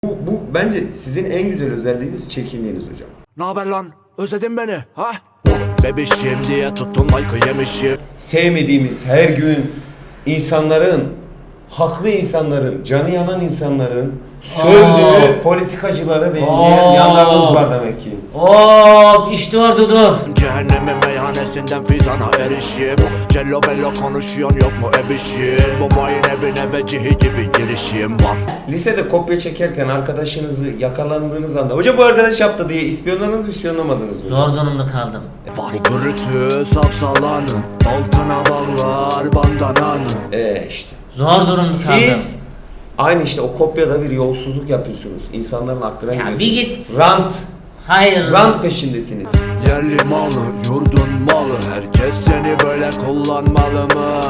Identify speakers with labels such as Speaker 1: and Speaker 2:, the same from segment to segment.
Speaker 1: Bu bence sizin en güzel özelliğiniz çekindiğiniz hocam.
Speaker 2: Naber lan? Özledin beni ha? Bebişim diye tuttun like'ı yemişim.
Speaker 1: Sevmediğimiz her gün insanların, haklı insanların, canı yanan insanların sövdüğü politikacılara benzeyen yanlarınız var demek ki.
Speaker 3: Hop işte orada dur.
Speaker 2: Cehennemin meyhanesinden fizana erişim. Cello bello konuşuyorsun yok mu ebişin? Babayın evine vecihi gibi girişim var.
Speaker 1: Lisede kopya çekerken arkadaşınızı yakalandığınız anda hoca bu arkadaş yaptı diye ispiyonladınız mı ispiyonlamadınız mı hocam?
Speaker 3: Zor durumda kaldım.
Speaker 2: Var gürültü safsalanın, altına bağlar bandananı.
Speaker 1: İşte.
Speaker 3: Zor durumda kaldım.
Speaker 1: Siz aynı işte o kopyada bir yolsuzluk yapıyorsunuz. İnsanların aklına
Speaker 3: Ya
Speaker 1: giriyorsunuz.
Speaker 3: bir git.
Speaker 1: Rant.
Speaker 3: Hayır.
Speaker 1: Rant peşindesiniz.
Speaker 2: Yerli malı, yurdun malı, herkes seni böyle kullanmalı mı?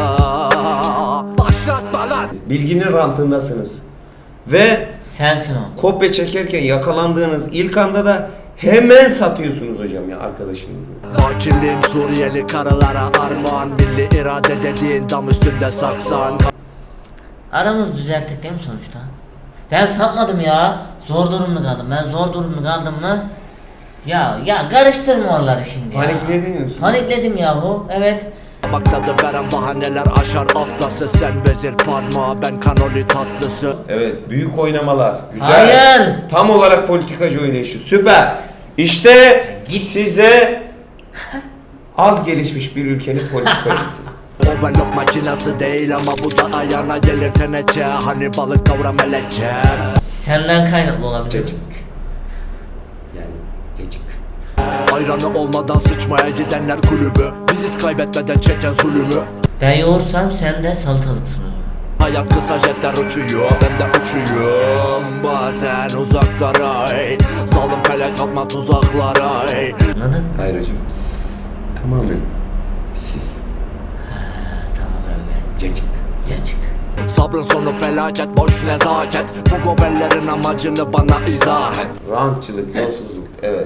Speaker 2: Başlatma lan!
Speaker 1: Bilginin rantındasınız. Ve
Speaker 3: Sensin o.
Speaker 1: kopya çekerken yakalandığınız ilk anda da hemen satıyorsunuz hocam ya arkadaşınızı.
Speaker 2: Fakirliğin Suriyeli karılara armağan, milli irade dediğin dam üstünde saksan.
Speaker 3: Aramızı düzelttik değil mi sonuçta? Ben sapmadım ya. Zor durumda kaldım. Ben zor durumda kaldım mı? Ya karıştırma onları şimdi ya.
Speaker 1: Panikledin misin?
Speaker 3: Panikledim yahu. Evet.
Speaker 2: Bak tadı veren bahaneler aşar atlası. Sen vezir parmağı, ben kanoli tatlısı.
Speaker 1: Evet, büyük oynamalar. Güzel.
Speaker 3: Hayır.
Speaker 1: Tam olarak politikacı oynayışı. Süper. İşte
Speaker 3: Git.
Speaker 1: size az gelişmiş bir ülkenin politikacısı.
Speaker 2: Overlock makinası değil ama bu da ayağına gelir teneçe. Hani balık kavra melece.
Speaker 3: Senden kaynaklı olabilir.
Speaker 1: Cacık. Yani cacık.
Speaker 2: Ayranı olmadan sıçmaya gidenler kulübü. Biziz kaybetmeden çeken zulümü.
Speaker 3: Ben yoğursam sen de salatalıksın o zaman.
Speaker 2: Hayat kısa jetler uçuyor, ben de uçuyorum bazen uzaklara ey. Zalim felek atma tuzaklara ey.
Speaker 3: Anladın?
Speaker 1: Hayır hocam. Tamamen siz.
Speaker 3: Tamam öyle.
Speaker 1: Cacık.
Speaker 3: Cacık.
Speaker 2: Sabrın sonu felaket, boş nezaket. Bu gobellerin amacını bana izah et.
Speaker 1: Rantçılık, yolsuzluk. Evet.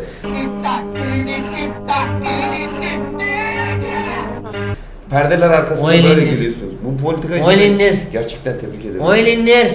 Speaker 1: Perdeler arkasında
Speaker 3: O el
Speaker 1: böyle
Speaker 3: indir.
Speaker 1: gidiyorsunuz. Bu politikacı
Speaker 3: O el indir.
Speaker 1: gerçekten tebrik ederim.
Speaker 3: O el indir.